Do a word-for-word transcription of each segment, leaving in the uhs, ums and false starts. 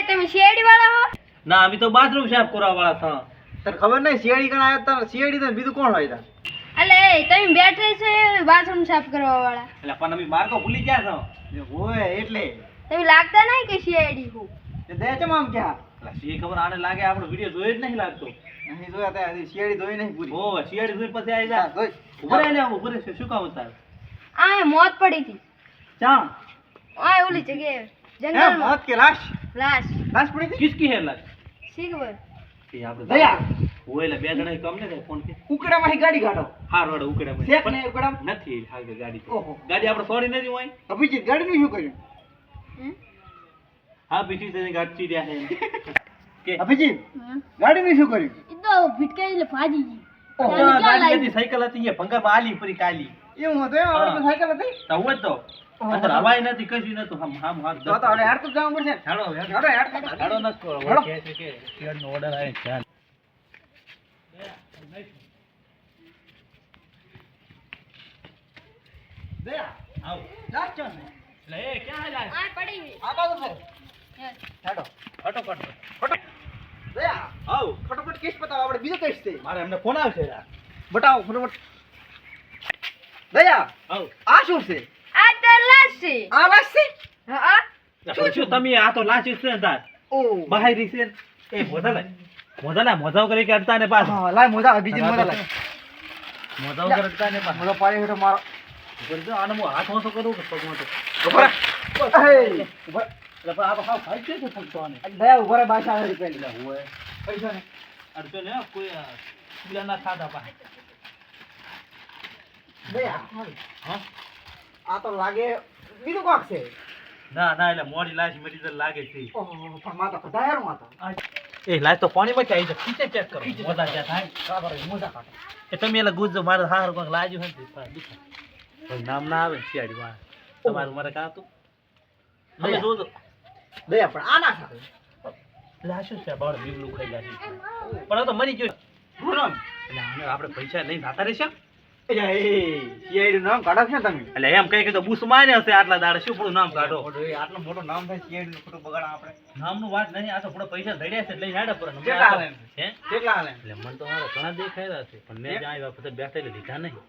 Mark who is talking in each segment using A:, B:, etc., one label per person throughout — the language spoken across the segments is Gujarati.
A: તમે શેરડી વાળા હો?
B: ના અમે તો બાથરૂમ સાફ કરવા વાળા હતા.
C: તને ખબર નહીં સીઆઈડી કણ આવ્યો તો સીઆઈડી તો બીજું કોણ હોય તા?
A: અલે એ તમે બેઠે છો બાથરૂમ સાફ કરવા વાળા.
B: એટલે પણ અમે માર તો ભૂલી ગયા છો.
C: હોય એટલે
A: તમે લાગતા નહીં કે શેરડી હું?
C: તે દે ચમ આમ ક્યાં
B: એટલે શી ખબર આને લાગે આપણો વિડિયો જોયો જ નહીં લાગતો.
C: નહીં જોયા તે હજી સીઆઈડી જોઈ નહીં પૂરી.
B: ઓ શિયાળી જોઈ પછી આવી જા.
C: જોઈ
B: ઉભરે લે ઉભરે છે શું કામ તાર?
A: આ મોત પડી હતી.
C: ચા
A: આ ઓલી જગ્યાએ
C: હે
A: જંગલમાં
C: મોત કે લાશ
A: લાશ.
C: લાશ પડી હતી
B: કિસકી હે લાગ?
A: શી ખબર?
B: એ આપણે
C: દયા
B: ઓય એટલે બે જણા કમ ને ફોન કે
C: ઉકડામાંથી ગાડી કાઢો
B: હાર વાળો ઉકડે માં
C: શેક ને ઉકડામ
B: નથી હાલ ગાડી તો.
C: ઓહો
B: ગાડી આપણે છોડી નથી હોય.
C: અભિજીત ગાડીનું શું કર્યું?
A: હમ?
B: હા બીજી તેની ગાડી રહ્યા છે કે
C: અભિજીત
A: હમ?
C: ગાડીનું શું કર્યું?
A: ઈ તો ભીટકાઈ એટલે ભાજી ગઈ.
B: ઓહો,
A: ક્યાં
B: ગાડી
A: લાગી?
B: હતી સાયકલ હતી એ ભંગારમાં આલી પરી કાલી.
C: એવું હતું એમ આપણે તો સાયકલ હતી
B: તો હું જ તો અંદર હવાય નથી કશું નતું આમ આમ હાથ
C: તો તો હવે હેડ તો જવું પડશે
B: હેડો
C: હેડો હેડ
B: હેડો ન કરો
C: હેડો.
B: કે છે કે શેરનો ઓર્ડર આવે છે ચાલ.
C: દયા
B: આવ
C: લાશ ચા ને
B: લે ક્યાં હાલ્યા?
A: આ પડી ગઈ.
C: આ બાજુ છે
A: યસ.
C: હેડો
B: ફટોફટ
C: દયા
B: આવ
C: ફટાફટ કેસ બતાવો આપણે બીજો કેસ છે
B: મારે એમને ફોન આવશે યાર.
C: બતાવો ફટાફટ દયા
B: આવ
C: આ શું છે?
A: આ તો લાશ છે.
C: આ લાશ છે?
A: હા
B: શું શું તમે આ તો લાચી છે ને તાર
C: ઓ
B: બહારી છે એ મોઢા લાય મોઢા લાય મોઢા કરી કે અડતા ને પાછા
C: હા લાય મોજા અભિજીત મોજા લાય
B: મોઢા વગર અડતા ને પાછા
C: મોજો પાડી હેઠો મારો
B: બોલજો આને હું હાથ ઓછો કરું કે પગ મોટો
C: ઉભા રહે. એ ઉભા
B: એટલે પણ આ તો ખાવ ખાઈ છે પગ તો આને
C: દયા ઉભા રહે બાસા આવે પેલી
B: એટલે હોય
C: પૈસા ને
B: અડતો ને કોઈ પેલા ના ખાધા પા
C: દયા
B: હા
C: આ તો લાગે બીજું કોક છે
B: ના ના એટલે મોડી લાશ મરી તો લાગે છે
C: ઓહો પણ માતા કઢાયર માતા
B: એ લાશ તો પાણીમાં ક્યાં આવી જાય ખીચે ચેક કરો મોઢા ક્યાં થાય
C: કાબર મોજા કાઢો
B: એ તમે એટલે ગુજજો મારે હાર કોઈક લાજ્યું હોય ને તો દુખે કોઈ નામ ના આવે શિયાળી માં તમારું મારે કાં હતું તમે જોજો
C: દયા પણ આ ના ખાય
B: એટલે આ શું છે બાળ બીબલું ખાઈ જાય પણ આ તો મરી ગયો
C: બોલો
B: એટલે આને આપણે પૈસા લઈને જાતા રહેશે
C: એ સીઆઈડી નામ કાઢો છે તમે
B: એટલે એમ કઈ કે તો બૂસ મારે હશે આટલા દાડે શું પૂરું નામ કાઢો
C: આટલું મોટું નામ થાય સીઆઈડી નું ખોટું બગાડા આપણે
B: નામનું વાત નહીં આ તો થોડા પૈસા ધડ્યા છે લઈને હેડા પર
C: કેટલા હાલે?
B: હે
C: કેટલા હાલે
B: એટલે મને તો મારા ઘણા દેખાયા છે પણ મેં જ્યાં આવ્યા પછી બેઠા એટલે લીધા નહીં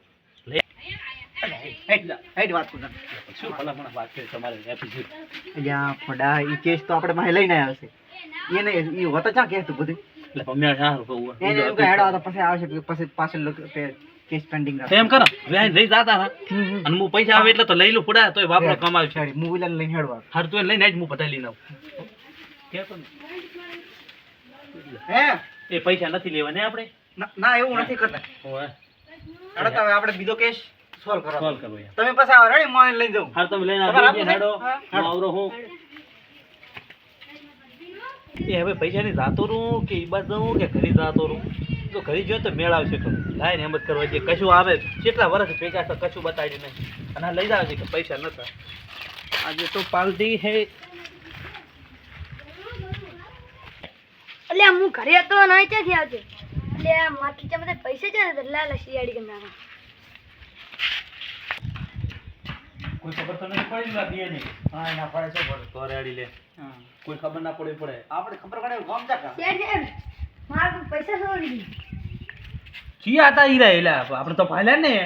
C: હેડ હેડ વાત કરું
B: શું ભલા મને વાત કરી તમારે એપિસોડ
C: અલ્યા ફડા ઈ કેસ તો આપણે માહી લઈને આવ્યા છે એને ઈ હોતા ચા કહેતું બધું
B: એટલે પણ મેં સારું કહું
C: એને એમ કે હેડો તો પછી આવશે પછી પાછળ લોકો કેસ પેન્ડિંગ
B: તો એમ કરો વ્યાજ લઈ જાતા હા અને હું પૈસા આવે એટલે તો લઈ લઉં પડા તોય વાપરો કમાવ છે
C: મૂવી લઈને હેડવા
B: હર તો લઈને જ હું બધા લઈને આવું કેતો ને
C: હે
B: એ પૈસા નથી લેવા ને આપણે
C: ના- ના એવું નથી કરતા
B: ઓય
C: હેડો તો હવે આપણે બીજો કેસ સોલ્વ કરો
B: સોલ્વ કરો યાર
C: તમે પછી આવો રેડી મોય લઈને જાઉં
B: હર તમે લઈને
C: તમારે
B: આવી
C: આપવું
B: હેડો
A: છે?
B: હું આવરો હું એ હવે પૈસા ની જાતો રહું કે ઈ બાજુ જાઉં કે ઘરે જાતો રહું તો ઘરે જોયો તો મેળ આવશે તો લાય ને એમ જ કરવા જે કશું આવે કેટલા વર્ષ ભેગા તો કશું બતાવી નહીં અને આ લઈ જાવ છે કે પૈસા નતા આજે તો પાલટી હે
A: એટલે હું ઘરે હતો ને અહીં ક્યાંથી આવજે એટલે આ મારા ખીચામાં બધા પૈસા છે ને લાલ શિયાળી કે નાના
B: કોઈ ખબર તો નથી પડી ને દે નહીં હા ના પડે છે પડે તો રેડી લે કોઈ ખબર ના પડે પડે
C: આપણે ખબર પડે ગામ જા
A: શેઠ મારા કોઈ પૈસા સૌ લીધી
B: કી આતા ઈરા એલા આપણે તો ભાલ્યા ને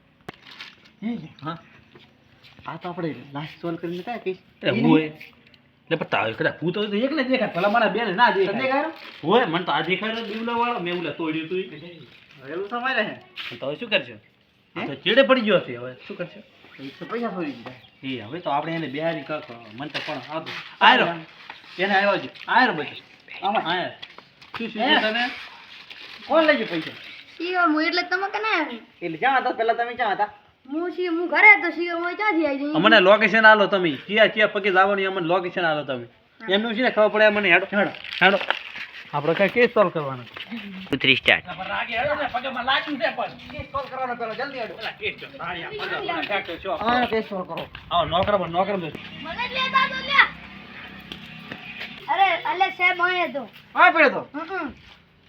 B: હા
C: આ તો આપણે લાસ્ટ સોલ્વ કરીને કાય કેસ
B: એ હોય એટલે પણ તાવ કદા હું તો એક ને દેખાય ભલા મારા બેન ના
C: તમને
B: દેખાય
C: ગાયરો
B: હોય મને તો આ દેખાય બીવલા વાળો મેં ઉલા તોડ્યું તું
C: એવું સમય રહે
B: તો હવે શું કરશે આ તો ચેડે પડી ગયો છે હવે શું કરશે
C: તો પૈસા છોડી દીધા
B: એ હવે તો આપણે એને બિહારી કાક મને તો પણ આવતું આયરો એને આવ્યો છે આયરો બધું
C: આમાં
B: આયર શું શું
C: હે?
B: છે તમે
C: કોણ લઈ ગયું પૈસા
A: શીઓ હું એટલે તમે કને આવી
C: એટલે જ્યાં હતા પેલા તમે ક્યાં હતા
A: હું શી હું ઘરે હતો શીઓ હું ક્યાંથી આવી જઈ
B: અમને લોકેશન આલો તમે ક્યાં ક્યાં પગે જવાની અમને લોકેશન આલો તમે એમનું છે ને ખબર પડે મને હેડો હેડો હેડો આપણે કઈ કેસ સોલ્વ કરવાનો
D: થ્રી સ્ટાર્ટ
B: રાગે હેડો ને પગમાં લાગ્યું છે પણ
C: કેસ સોલ્વ કરવાનો પેલો જલ્દી આડો
B: પેલા કેસ જો તાળિયા પગમાં ફેક્ટર છો
C: હા કેસ સોલ્વ કરો
B: આવો નોકર બન નોકર બન
A: મને જ લેતા તો લ્યા અરે અલે સાહેબ આયા તો
C: હા પડ્યો તો
A: હમ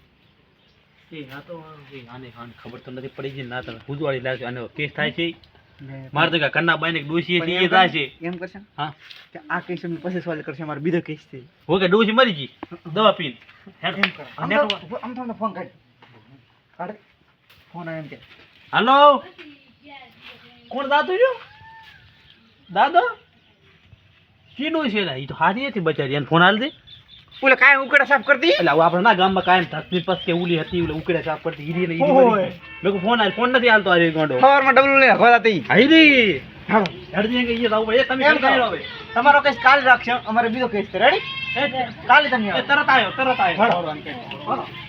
B: એ આ તો એ આને આને ખબર તો નથી પડી છે ના તમે ભૂજવાળી લાગે અને કેસ થાય છે મારે તો કન્ના બાઈ ને ડોશી
C: પણ
B: છે
C: એમ
B: એ જાય છે
C: એમ કરશે ને
B: હા
C: કે આ કેસ અમે પછી સોલ્વ કરશે મારો બીજો કેસ છે
B: હું કે ડોશી મરી ગઈ દવા પીને
C: એમ કરો આમ તો આમ તો ફોન કાઢ કાઢ ફોન આવે એમ કે
B: હાલો કોણ દાદુ જો દાદો કીનું છે લા ઈ તો હારી હતી બચારી એને ફોન હાલ દે
C: ઓલે કાય ઉકડા સાફ કરતી
B: એટલે આવું આપણે ના ગામમાં કાયમ ધસની પસ કે ઉલી હતી ઓલે ઉકળે સાફ કરતી હીરી ને હીરી
C: ઓય.
B: મરી ગઈ. મેં કીધું ફોન આલ ફોન નથી હાલતો આ ગોંડો
C: સવારમાં ડબલું લઈને ખોલા હતી
B: હાઈરી
C: હાલો
B: હરજી કે ઈ જાવ એ તમે
C: એમ
B: કરી
C: કરો
B: હવે
C: તમારો કેસ કાલ રાખશે અમારે બીજો કેસ છે રેડી
B: એ
C: કાલે તમે
B: એ
C: આવો
B: તરત આવ્યો તરત આવ્યો
C: હાલો. હાલો